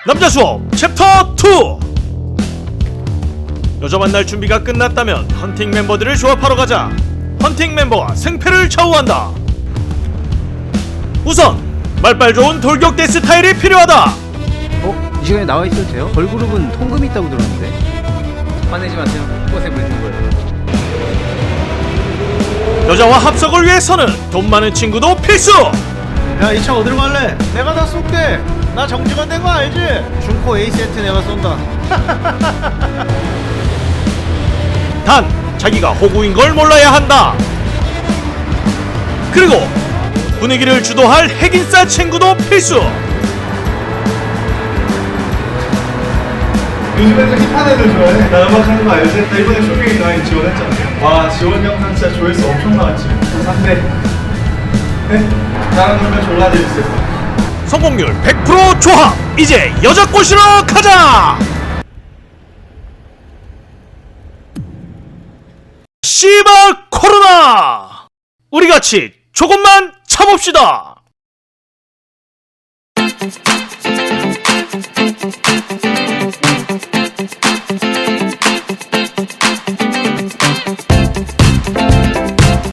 남자 수업 챕터 2. 여자 만날 준비가 끝났다면 헌팅 멤버들을 조합하러 가자. 헌팅 멤버가 생패를 좌우한다. 우선 말빨 좋은 돌격대 스타일이 필요하다. 이 시간에 나와 있어도 돼요? 걸그룹은 통금이 있다고 들었는데. 화내지 마세요. 꽃에 물든 거예요. 여자와 합석을 위해서는 돈 많은 친구도 필수. 야, 이 차 어디로 갈래? 내가 다 쏠게. 나 정직원 된 거 알지? 중코 A 세트 내가 쏜다. 단 자기가 호구인 걸 몰라야 한다. 그리고 분위기를 주도할 핵인싸 친구도 필수. 요즘에도 힙한 애들 좋아해. 나 음악 하는 거 알지? 나 이번에 쇼핑 라인 지원했잖아. 와, 지원 영상 진짜 조회수 엄청 나왔지. 3대. 네? 나랑 놀면 졸라 재밌을 거야. 성공률 100% 조합. 이제 여자 꼬시러 가자. 씨발 코로나. 우리 같이 조금만 참읍시다.